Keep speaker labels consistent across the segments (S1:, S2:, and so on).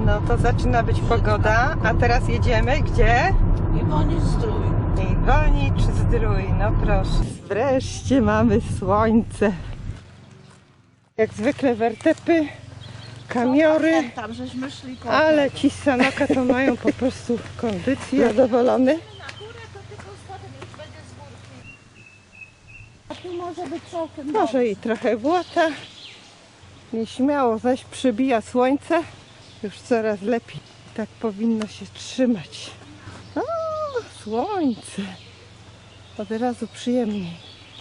S1: No to zaczyna być pogoda, a teraz jedziemy gdzie?
S2: Iwonicz-Zdrój.
S1: Iwonicz-Zdrój, no proszę. Wreszcie mamy słońce. Jak zwykle wertepy, kamiory,
S2: Tam żeśmy szli koło
S1: ale
S2: tego.
S1: ci z Sanoka to mają po prostu kondycję. Zadowolony?
S2: Na górę to tylko schodem już będzie z górki. A tu może być całkiem
S1: Może i trochę błota. Nieśmiało zaś przybija słońce. Już coraz lepiej. Tak powinno się trzymać. O, słońce. Od razu przyjemniej.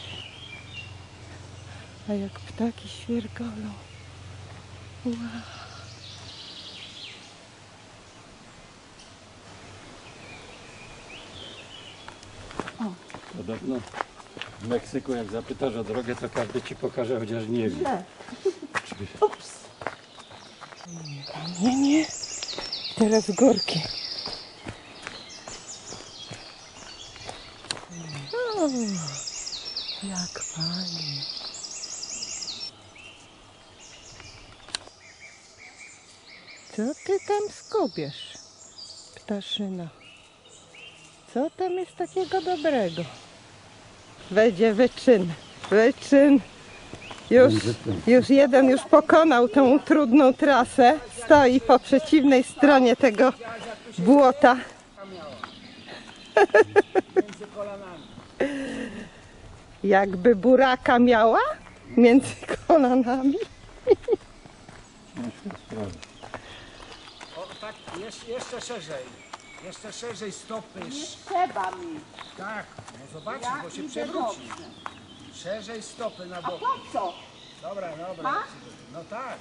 S1: A jak ptaki świergolą. Wow.
S3: Podobno w Meksyku jak zapytasz o drogę, to każdy ci pokaże, chociaż nie wie.
S2: Ups.
S1: Nie. Teraz górki. O, jak fajnie. Co ty tam skubiesz, ptaszyno? Co tam jest takiego dobrego? Będzie wyczyn. Już jeden pokonał tą trudną trasę. Stoi po przeciwnej stronie tego błota. Jakby buraka miała między kolanami.
S4: O, tak, jeszcze szerzej. Jeszcze szerzej stopy.
S2: Nie trzeba mi.
S4: Tak, no zobaczysz,
S2: Ja
S4: bo się
S2: idę
S4: przewróci.
S2: dobrze.
S4: Szerzej stopy na
S2: A
S4: bok.
S2: po co?
S4: Dobra. No tak.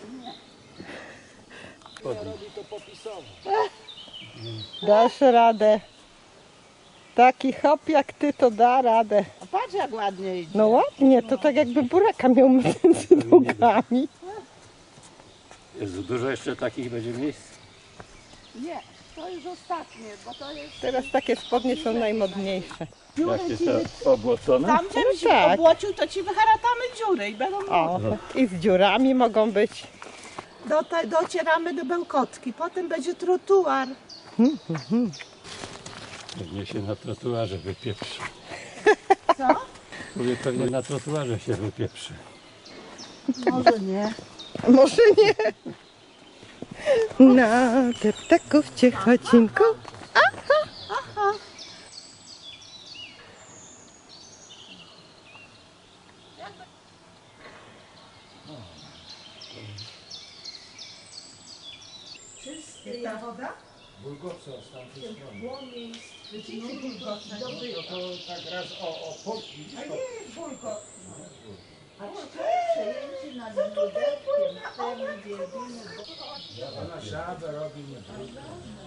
S4: Robi to popisowo.
S1: Dasz radę. Taki hop jak ty to da radę.
S2: A patrz jak ładnie idzie.
S1: No ładnie, to tak jakby buraka miał między nogami.
S3: Jezu, dużo jeszcze takich będzie miejsc.
S2: Nie, to już ostatnie, bo to jest...
S1: Teraz takie spodnie są najmodniejsze.
S3: Jakie to obłocone?
S2: Tam żebyś
S1: No tak.
S2: obłocił, to ci wyharatamy dziury i będą...
S1: O, i z dziurami mogą być.
S2: Docieramy do Bełkotki, potem będzie trotuar.
S3: Pewnie się na trotuarze wypieprzy.
S2: Co?
S3: Mówię, pewnie na trotuarze się wypieprzy.
S2: Może nie.
S1: Może nie. Na te ptaków ciechocinku. Ta woda?
S4: Bulgotce z tamtej strony. No to tak raz o polki.
S1: A nie jest bulko.
S2: Przejęcie nad Ludewkiem,
S4: Ona żabę robi nie trudno.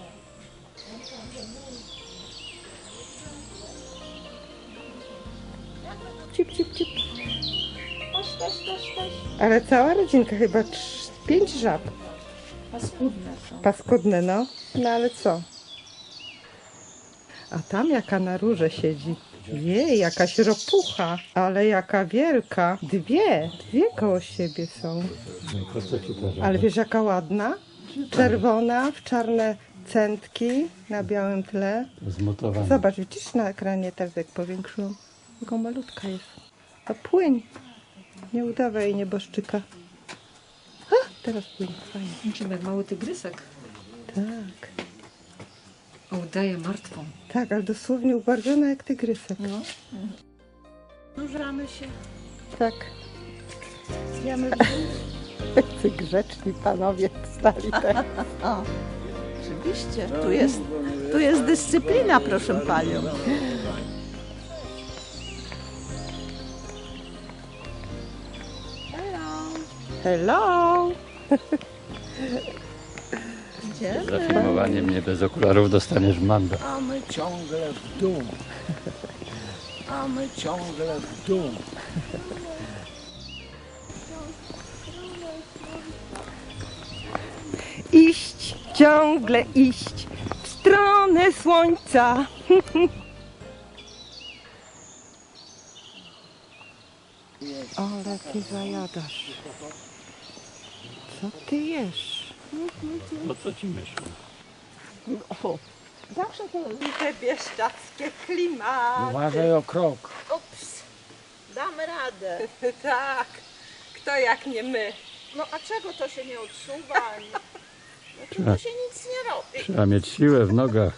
S1: Cip. Ale cała rodzinka chyba 5 żab.
S2: Paskudne są.
S1: Paskudne, no. No ale co? A tam jaka na rurze siedzi. Jej, jakaś ropucha. Ale jaka wielka. Dwie koło siebie są.
S3: Po co ci to żaba?
S1: Ale wiesz jaka ładna? Czerwona, w czarne centki na białym tle.
S3: Zmutowane.
S1: Zobacz, widzisz na ekranie teraz jak powiększyłam. Jaką malutka jest. A płyń. Nie udawaj nieboszczyka. A, teraz płyń. Fajnie.
S5: Niczym jak mały tygrysek.
S1: Tak.
S5: A udaje martwą.
S1: Tak, ale dosłownie ubarwiona jak tygrysek.
S5: No.
S2: Nurzamy się.
S1: Tak.
S2: Jemy
S1: Tacy grzeczni panowie stali tak.
S2: O, oczywiście. Tu jest dyscyplina, proszę panią.
S1: Hello!
S2: Idziemy.
S3: Za filmowanie mnie bez okularów dostaniesz mandat.
S4: A my ciągle w dół. A my ciągle w dół.
S1: Iść, ciągle iść w stronę słońca. Ale ty zajadasz. Co ty jesz?
S3: No co ci myślę?
S2: Zawsze to...
S1: I te bieszczackie klimaty.
S4: Uważaj o krok.
S2: Ups, damy radę.
S1: Tak, kto jak nie my.
S2: No a czego to się nie odsuwa? Znaczy to się nic nie robi.
S3: Trzeba mieć siłę w nogach.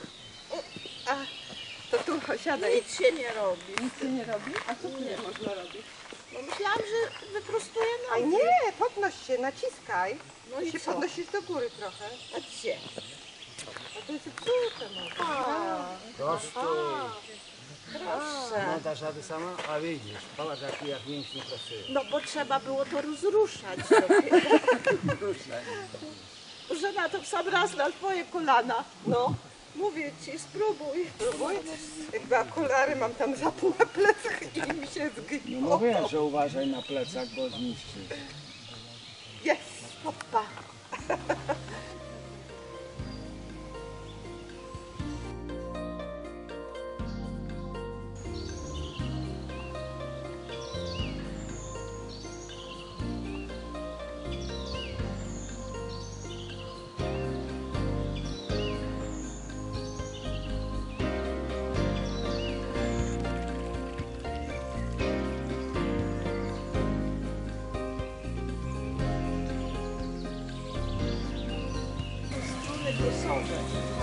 S1: To tu siadaj.
S2: Nic się nie robi.
S1: Nic się nie robi? A co tu nie można robić?
S2: No myślałam, że wyprostuję
S1: A
S2: nogi.
S1: nie, podnoś się, naciskaj.
S2: No i
S1: się
S2: co?
S1: podnosisz do góry trochę.
S2: A gdzie?
S1: A to jest zepsute może.
S4: Prosto.
S2: Proszę.
S4: No dasz radę sama? A widzisz, patrz jak mięśnie pracują.
S2: No bo trzeba było to rozruszać. Że na to w sam raz na twoje kolana. No, mówię ci, spróbuj.
S1: Spróbuj. Jakby okulary mam tam za pół na plecach i mi się
S4: No
S1: zgniło.
S4: mówię, że uważaj na plecach, bo zniszczysz.
S1: Jest.
S2: Opa. Struny głosowe.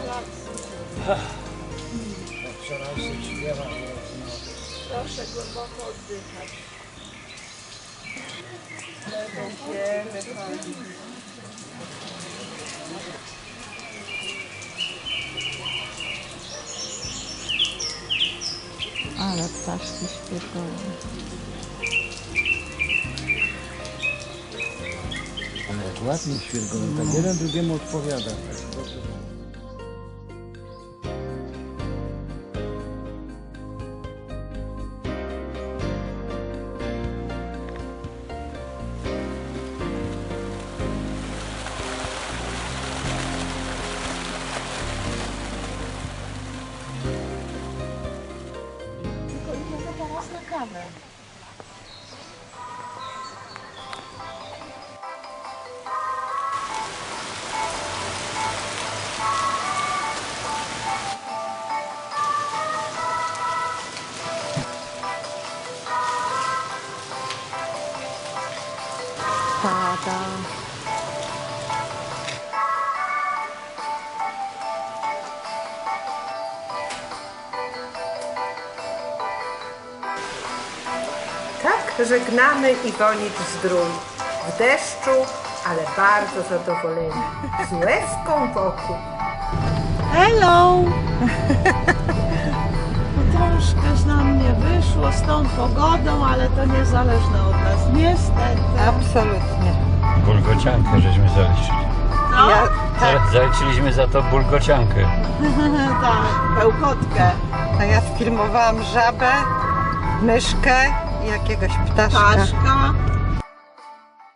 S4: Wczoraj się śpiewa,
S2: Proszę głęboko oddychać.
S1: Będziemy chodzić.
S2: Ale ptaszki śpiewają.
S4: ale jak ładnie świergoją, tak jeden drugiemu odpowiada. Tak dobrze.
S2: Tylko idziemy teraz na kawę.
S1: Pada. Tak żegnamy Iwonicz Zdrój. W deszczu, ale bardzo zadowoleni. Z łezką wokół. Hello!
S2: Troszkę nam nie wyszło z tą pogodą, ale to niezależne od nas. Niestety.
S1: Absolutnie.
S3: Bulgociankę żeśmy zaliczyli.
S2: No,
S1: Ja, tak,
S3: Zaliczyliśmy za to bulgociankę.
S2: tak, bełkotkę.
S1: a ja sfilmowałam żabę, myszkę i jakiegoś ptaszka.
S2: Ptaszka,